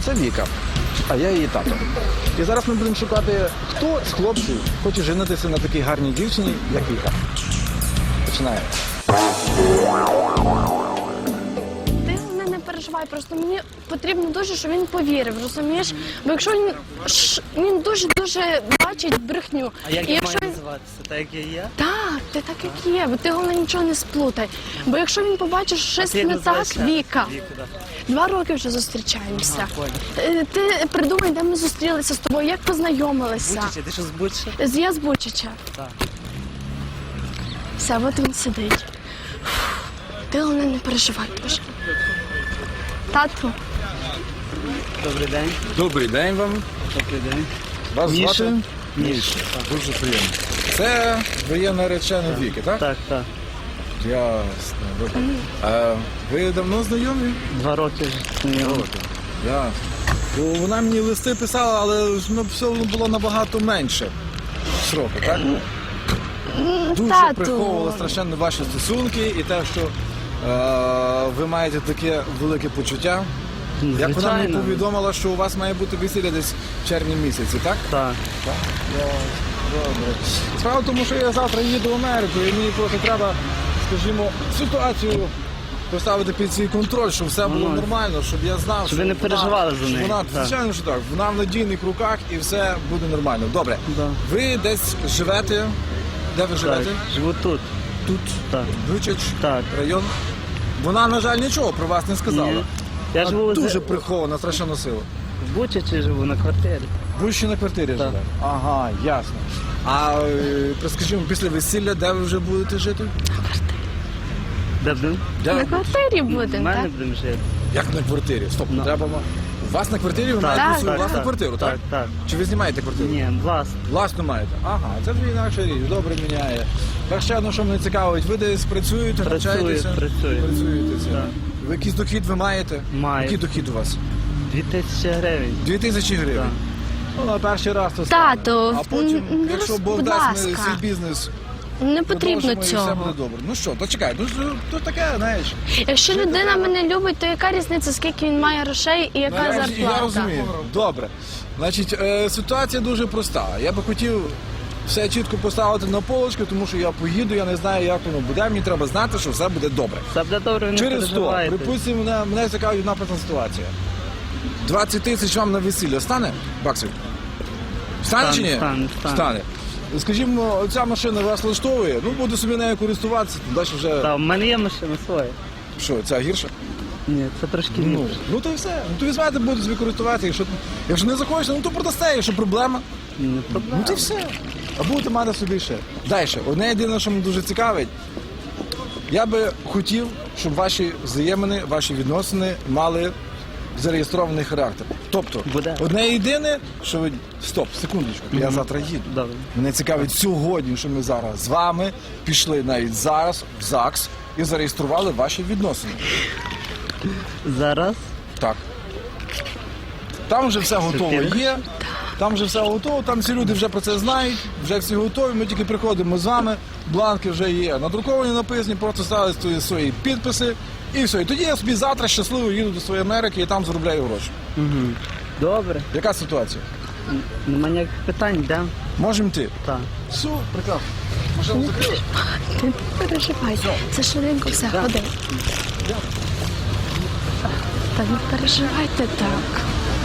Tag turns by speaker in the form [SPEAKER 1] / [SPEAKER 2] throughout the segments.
[SPEAKER 1] Це Віка, а я її тато. І зараз ми будемо шукати, хто з хлопців хоче женитися на такій гарній дівчині, як Віка. Починаємо.
[SPEAKER 2] Ти головне не переживай, просто мені потрібно дуже, щоб він повірив, розумієш? Бо якщо він дуже-дуже бачить брехню.
[SPEAKER 3] А як
[SPEAKER 2] І
[SPEAKER 3] я
[SPEAKER 2] якщо
[SPEAKER 3] маю
[SPEAKER 2] він...
[SPEAKER 3] називатися? Так як я є?
[SPEAKER 2] Так, ти так як є, бо ти головне нічого не сплутай. Бо якщо він побачить, що щось
[SPEAKER 3] Ти як
[SPEAKER 2] не так,
[SPEAKER 3] називаєшся?
[SPEAKER 2] Віка.
[SPEAKER 3] Віка, да.
[SPEAKER 2] 2 роки вже зустрічаємося.
[SPEAKER 3] Понял.
[SPEAKER 2] Ти придумай, де ми зустрілися з тобою, як познайомилися.
[SPEAKER 3] Бучича, ти що з Бучича?
[SPEAKER 2] Я з Бучича.
[SPEAKER 3] Так.
[SPEAKER 2] Все, от він сидить. Ти головне не переживай дуже. Тату,
[SPEAKER 3] Добрий день.
[SPEAKER 1] Добрий день вам.
[SPEAKER 3] Добрий день.
[SPEAKER 1] Вас
[SPEAKER 3] Міша?
[SPEAKER 1] звати?
[SPEAKER 3] Міша.
[SPEAKER 1] Дуже приємно. Це ви наречена Віки, так?
[SPEAKER 3] Так, так.
[SPEAKER 1] Ясно, добре. А ви давно знайомі?
[SPEAKER 3] 2 роки вже.
[SPEAKER 1] Ясно. Бо вона мені листи писала, але все було набагато менше сроку, так? Дуже
[SPEAKER 2] тату.
[SPEAKER 1] приховували страшенно ваші стосунки і те, що ви маєте таке велике почуття. Як вона мені повідомила, що у вас має бути весілля десь в червні місяці, так?
[SPEAKER 3] Так.
[SPEAKER 1] Так. Добре. Справа в тому, що я завтра їду в Америку і мені просто треба, скажімо, ситуацію поставити під свій контроль, щоб все було нормально, щоб я знав,
[SPEAKER 3] Щоб ви не переживали за неї.
[SPEAKER 1] Вона,
[SPEAKER 3] Так.
[SPEAKER 1] звичайно, що так. Вона в надійних руках і все буде нормально. Добре.
[SPEAKER 3] Да.
[SPEAKER 1] Ви десь живете? Де ви живете?
[SPEAKER 3] Так. Живу тут.
[SPEAKER 1] Тут?
[SPEAKER 3] Так.
[SPEAKER 1] Бучач?
[SPEAKER 3] Так.
[SPEAKER 1] Район? Вона, на жаль, нічого про вас не сказала.
[SPEAKER 3] Ні. Я
[SPEAKER 1] Вона
[SPEAKER 3] живу
[SPEAKER 1] дуже прихована, страшенно сила.
[SPEAKER 3] в Бучичі живу на квартирі.
[SPEAKER 1] Ви ще на квартирі
[SPEAKER 3] Так.
[SPEAKER 1] живете? Ага, ясно. А скажімо, після весілля, де ви вже будете жити?
[SPEAKER 3] Де будемо?
[SPEAKER 1] Де
[SPEAKER 2] На
[SPEAKER 1] ви будете?
[SPEAKER 2] квартирі
[SPEAKER 3] В
[SPEAKER 2] будемо,
[SPEAKER 3] мене
[SPEAKER 2] так?
[SPEAKER 3] будемо жити.
[SPEAKER 1] Як на квартирі? Стоп,
[SPEAKER 3] Ну.
[SPEAKER 1] треба. У вас на квартирі ви
[SPEAKER 3] Так,
[SPEAKER 1] маєте свою
[SPEAKER 2] так,
[SPEAKER 1] власну
[SPEAKER 3] так,
[SPEAKER 1] квартиру, так?
[SPEAKER 3] Так, так.
[SPEAKER 1] Чи ви знімаєте квартиру?
[SPEAKER 3] Ні, власне.
[SPEAKER 1] Власну маєте? Ага, це вже інакша річ, добре міняє. Так ще одно, що мене цікавить, ви десь працюєте, навчаєтеся?
[SPEAKER 3] Працюю.
[SPEAKER 1] Працюєте.
[SPEAKER 3] Так.
[SPEAKER 1] Ви якийсь дохід ви маєте?
[SPEAKER 3] Маю.
[SPEAKER 1] Який дохід у вас?
[SPEAKER 3] 2000 гривень.
[SPEAKER 1] 2000 гривень?
[SPEAKER 3] Так.
[SPEAKER 1] Ну, на перший раз то стане.
[SPEAKER 2] Тату,
[SPEAKER 1] А потім,
[SPEAKER 2] не
[SPEAKER 1] якщо
[SPEAKER 2] роз-
[SPEAKER 1] Бог
[SPEAKER 2] будь
[SPEAKER 1] дасть
[SPEAKER 2] ласка.
[SPEAKER 1] свій бізнес,
[SPEAKER 2] Не потрібно
[SPEAKER 1] продовжимо, і все
[SPEAKER 2] цього.
[SPEAKER 1] буде добре. Ну що, то чекай, то таке, знаєш.
[SPEAKER 2] Якщо
[SPEAKER 1] Жити
[SPEAKER 2] людина
[SPEAKER 1] треба.
[SPEAKER 2] мене любить, то яка різниця, скільки він має грошей і яка
[SPEAKER 1] Я
[SPEAKER 2] зарплата?
[SPEAKER 1] розумію. Добре. Значить, ситуація дуже проста. Я би хотів все чітко поставити на полочку, тому що я поїду, я не знаю, як воно буде. Мені треба знати, що все буде добре.
[SPEAKER 3] Все буде добре, ви не
[SPEAKER 1] Через то,
[SPEAKER 3] переживайте.
[SPEAKER 1] припустимо, мене цікавить одна проста ситуація. 20 тисяч вам на весілля стане баксів? Стане чи ні?
[SPEAKER 3] Стане.
[SPEAKER 1] Скажімо, ця машина вас влаштовує, ну буду собі нею користуватися, далі вже.
[SPEAKER 3] Так, в мене є машина своя.
[SPEAKER 1] Що, ця гірша?
[SPEAKER 3] Ні, це трошки
[SPEAKER 1] Ну,
[SPEAKER 3] ліпше.
[SPEAKER 1] ну то і все. Ну то візьмете, будете собі користуватися. Якщо не захочете, ну то продасте, якщо проблема.
[SPEAKER 3] Не проблема.
[SPEAKER 1] Ну то й все. А будете мати собі ще. Далі, одне єдине, що мене дуже цікавить, я би хотів, щоб ваші взаємини, ваші відносини мали зареєстрований характер. Тобто,
[SPEAKER 3] Буде.
[SPEAKER 1] одне єдине, що ви... Стоп, секундочку, я завтра їду.
[SPEAKER 3] Добре.
[SPEAKER 1] Мене цікавить сьогодні, що ми зараз з вами пішли навіть зараз в ЗАГС і зареєстрували ваші відносини.
[SPEAKER 3] Зараз
[SPEAKER 1] Так. Там вже все готово
[SPEAKER 3] Супер.
[SPEAKER 1] є, там вже все готово, там всі люди вже про це знають, вже всі готові, ми тільки приходимо з вами, бланки вже є надруковані, написані, просто ставити свої підписи і все. І тоді я собі завтра щасливо їду до своєї Америки і там заробляю гроші.
[SPEAKER 3] добре.
[SPEAKER 1] Яка ситуація?
[SPEAKER 3] Нема ніяких питань, йдемо.
[SPEAKER 1] Можемо йти?
[SPEAKER 3] Так.
[SPEAKER 1] Все, прекрасно. Машину закрили?
[SPEAKER 2] Ти не переживай. Це швиденько все, ходи. Та не переживайте так.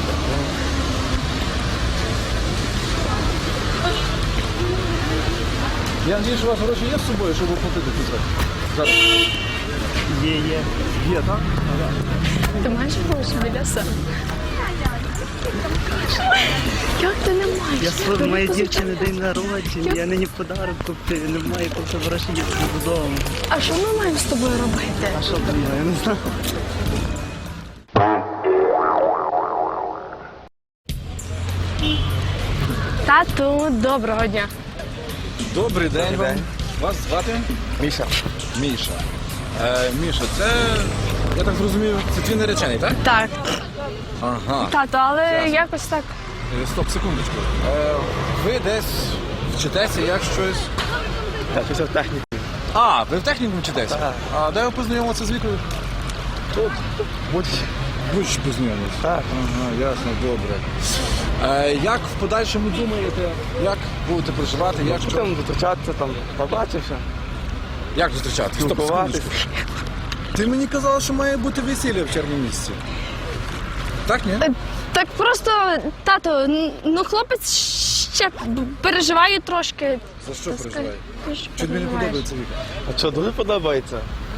[SPEAKER 1] Я надію, що у вас гроші є з собою, щоб оплатити це. Зараз.
[SPEAKER 3] Є.
[SPEAKER 1] Є, так?
[SPEAKER 2] Ти маєш гроші біля себе? Як ти не маєш?
[SPEAKER 3] Я
[SPEAKER 2] Бери
[SPEAKER 3] моєї
[SPEAKER 2] позичай.
[SPEAKER 3] дівчини день народження, я нині подарок купив, немає коли гроші їхати додому.
[SPEAKER 2] А що ми маємо з тобою робити?
[SPEAKER 3] А що там, я не знаю.
[SPEAKER 2] Тату, доброго дня.
[SPEAKER 1] Добрий день вам. Вас звати?
[SPEAKER 4] Міша.
[SPEAKER 1] Міша. Міша, це, я так зрозумів, це твій наречений, так?
[SPEAKER 2] Так,
[SPEAKER 1] Ага.
[SPEAKER 2] тату, але
[SPEAKER 1] Ясно.
[SPEAKER 2] якось так.
[SPEAKER 1] Стоп, секундочку. Ви десь вчитеся, як щось.
[SPEAKER 4] Так, після техніки.
[SPEAKER 1] А, ви в технікумі вчитеся?
[SPEAKER 4] Так.
[SPEAKER 1] А де ви познайомилися з Вікою?
[SPEAKER 4] Тут, будь
[SPEAKER 1] Будеш познайомитися?
[SPEAKER 4] Так.
[SPEAKER 1] Ага, ясно, добре. Як в подальшому думаєте, як будете проживати, як що?
[SPEAKER 4] Там зустрічатися, там, побачився.
[SPEAKER 1] Як зустрічати? Стоп,
[SPEAKER 4] Спілкуватися.
[SPEAKER 1] секундочку. Ти мені казала, що має бути весілля в червні місяці. Так, ні?
[SPEAKER 2] Так просто, тато, ну хлопець ще переживає трошки.
[SPEAKER 1] За що
[SPEAKER 2] Та
[SPEAKER 1] переживає?
[SPEAKER 2] скажи, що
[SPEAKER 1] Чи тобі не
[SPEAKER 2] переживаєш?
[SPEAKER 1] подобається Віка?
[SPEAKER 4] А що, дуже подобається?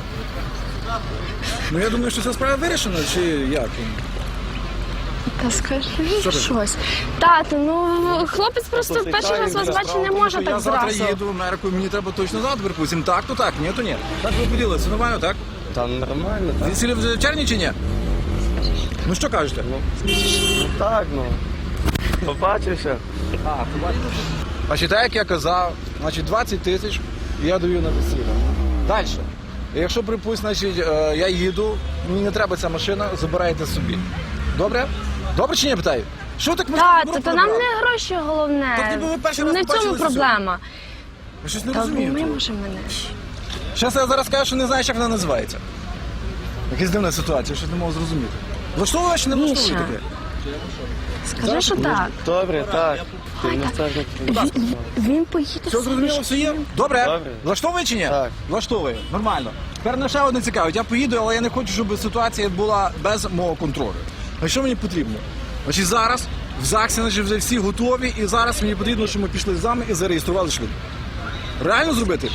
[SPEAKER 1] Ну я думаю, що ця справа вирішена, чи як?
[SPEAKER 2] Та скажи
[SPEAKER 1] Що ти?
[SPEAKER 2] щось. Тато, ну хлопець просто
[SPEAKER 4] Просто
[SPEAKER 2] перший раз вас
[SPEAKER 4] цікавий,
[SPEAKER 2] бачить не може
[SPEAKER 1] Я
[SPEAKER 2] так
[SPEAKER 1] завтра
[SPEAKER 2] зразу.
[SPEAKER 1] їду в Америку, мені треба точно завтра, припустимо. Так, то так, ні, то ні. Так ви поділилися, нормально, так?
[SPEAKER 4] Там нормально, так?
[SPEAKER 1] Весілля вже в червні чи ні? Ну що кажете?
[SPEAKER 4] Ну так, ну. Побачився.
[SPEAKER 1] Значить, так як я казав, значить 20 тисяч я даю на весілля. Далі. Якщо, припустимо, значить, я їду, мені не треба ця машина, забирайте собі. Добре? Добре чи ні, питаю? Що так ми
[SPEAKER 2] Тато, то нам не гроші головне.
[SPEAKER 1] Так ніби ви перший раз
[SPEAKER 2] Не в цьому
[SPEAKER 1] побачилися
[SPEAKER 2] проблема.
[SPEAKER 1] Я щось не
[SPEAKER 2] Та
[SPEAKER 1] розумію.
[SPEAKER 2] ми може мене.
[SPEAKER 1] Щас я зараз скажу, що не знаєш, як вона називається. Якась дивна ситуація, щось не можу зрозуміти. Влаштовує чи не
[SPEAKER 2] Міша.
[SPEAKER 1] влаштовує таке?
[SPEAKER 2] Скажи, що так.
[SPEAKER 4] Добре, так. Ти
[SPEAKER 2] Ай,
[SPEAKER 4] не
[SPEAKER 2] так.
[SPEAKER 4] скажеш.
[SPEAKER 2] Він поїде.
[SPEAKER 1] Все
[SPEAKER 2] собі.
[SPEAKER 1] зрозуміло, все є? Добре.
[SPEAKER 4] Добре.
[SPEAKER 1] Влаштовує чи ні?
[SPEAKER 4] Так.
[SPEAKER 1] Влаштовує. Нормально. Тепер на ще одне цікавить. Я поїду, але я не хочу, щоб ситуація була без мого контролю. А що мені потрібно? Значить, зараз в ЗАГСі значить, вже всі готові, і зараз мені потрібно, щоб ми пішли з вами і зареєстрували шлюб. Реально зробити?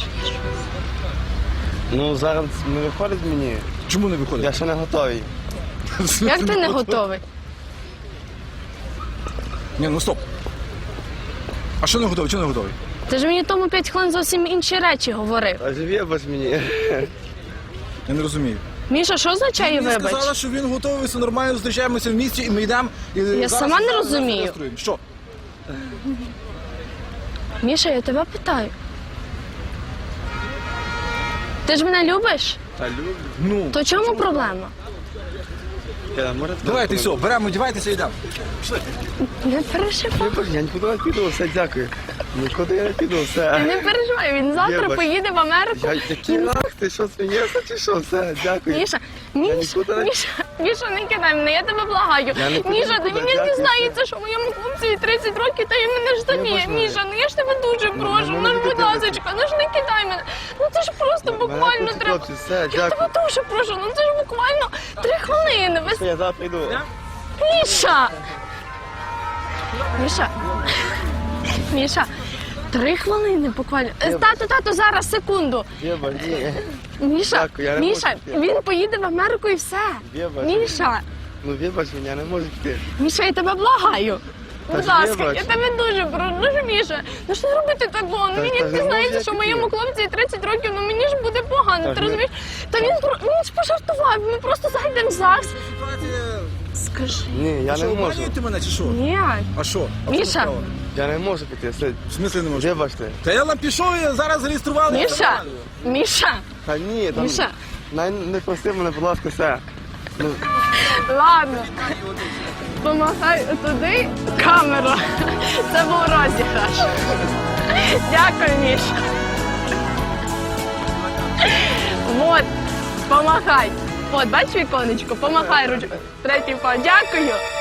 [SPEAKER 4] Ну, зараз не виходить мені.
[SPEAKER 1] Чому не виходить?
[SPEAKER 4] Я ще не готовий.
[SPEAKER 2] Як ти не готовий?
[SPEAKER 1] Ні, ну стоп. А що не готовий? Чого не готовий?
[SPEAKER 2] Ти ж мені тому 5 хвилин зовсім інші речі говорив.
[SPEAKER 4] А живі без мені.
[SPEAKER 1] Я не розумію.
[SPEAKER 2] Міша, що означає
[SPEAKER 1] Мені
[SPEAKER 2] вибач?
[SPEAKER 1] сказала, що він готовий, все нормально, зустрічаємося в місті і ми йдемо. І
[SPEAKER 2] Я
[SPEAKER 1] зараз
[SPEAKER 2] сама не
[SPEAKER 1] зараз
[SPEAKER 2] розумію.
[SPEAKER 1] зареєструємо. Що?
[SPEAKER 2] Міша, я тебе питаю. Ти ж мене любиш?
[SPEAKER 4] Та люблю.
[SPEAKER 1] Ну,
[SPEAKER 2] То чому проблема?
[SPEAKER 4] Може,
[SPEAKER 1] давайте все, беремо, одівайтеся і йдемо.
[SPEAKER 2] Не переживай.
[SPEAKER 4] Я нікуди не піду, все, дякую. Нікуди я не піду, все.
[SPEAKER 2] Не переживай, він завтра
[SPEAKER 4] Вибач.
[SPEAKER 2] поїде в Америку.
[SPEAKER 4] Який рах, ти що, смієшся чи що? Все, дякую.
[SPEAKER 2] Міша, Міша,
[SPEAKER 4] нікуди не-
[SPEAKER 2] Міша, не кидай мене, я тебе благаю.
[SPEAKER 4] Я не піду
[SPEAKER 2] Міша,
[SPEAKER 4] нікуди,
[SPEAKER 2] тобі не
[SPEAKER 4] дякую.
[SPEAKER 2] дізнається, що моєму хлопцеві 30 років, та й мене ж заміє.
[SPEAKER 4] Вибач мене.
[SPEAKER 2] Міша, ну я ж тебе дуже прошу,
[SPEAKER 4] ну,
[SPEAKER 2] ну
[SPEAKER 4] не
[SPEAKER 2] будь
[SPEAKER 4] кидай.
[SPEAKER 2] ласочка, ну ж не кидай мене. Ну це ж просто буквально
[SPEAKER 4] хочуть
[SPEAKER 2] треба.
[SPEAKER 4] хлопці, все,
[SPEAKER 2] Я тебе
[SPEAKER 4] дякую.
[SPEAKER 2] дуже прошу, ну це ж буквально 3 хвилини.
[SPEAKER 4] Все, я завтра йду.
[SPEAKER 2] Міша! Міша! Міша! 3 хвилини буквально. Тато, зараз, секунду.
[SPEAKER 4] Єба, ні.
[SPEAKER 2] Міша,
[SPEAKER 4] Дякую, я не
[SPEAKER 2] Міша,
[SPEAKER 4] можу піти.
[SPEAKER 2] він поїде в Америку і все.
[SPEAKER 4] Вибач.
[SPEAKER 2] Міша,
[SPEAKER 4] Ну, вибач мене, я не можу піти.
[SPEAKER 2] Міша, я тебе благаю. Будь
[SPEAKER 4] ж
[SPEAKER 2] ласка,
[SPEAKER 4] вибач.
[SPEAKER 2] я тебе дуже прошу. Ну ж, Міша, ну ж не робити такого. Ну
[SPEAKER 4] Та
[SPEAKER 2] він
[SPEAKER 4] ж
[SPEAKER 2] як
[SPEAKER 4] не
[SPEAKER 2] дізнається,
[SPEAKER 4] можу
[SPEAKER 2] що
[SPEAKER 4] я
[SPEAKER 2] моєму
[SPEAKER 4] піти.
[SPEAKER 2] хлопці 30 років, ну мені ж буде погано,
[SPEAKER 4] Та
[SPEAKER 2] ти
[SPEAKER 4] ж не-
[SPEAKER 2] розумієш? Та він ж пожартував, ми просто зайдемо в ЗАГС. Скажи.
[SPEAKER 4] Ні, я
[SPEAKER 1] що,
[SPEAKER 4] не можу.
[SPEAKER 1] обманюєте мене чи що?
[SPEAKER 2] Ні.
[SPEAKER 1] А що? А
[SPEAKER 2] Міша.
[SPEAKER 1] в чому справа?
[SPEAKER 4] Я не можу піти, все.
[SPEAKER 1] В смислі не можу?
[SPEAKER 4] Вибачте.
[SPEAKER 1] Та я вам пішов і зараз зареєстрували.
[SPEAKER 2] Міша, Міша,
[SPEAKER 4] Та ні, там...
[SPEAKER 2] Міша.
[SPEAKER 4] Не прости мене, будь ласка, все. Ну,
[SPEAKER 2] Ладно. Помахай туди камеру. Це був розіграш. Дякую, Міша. Вот, помахай. От, бач віконечко, помахай ручку. Третій пан. Дякую.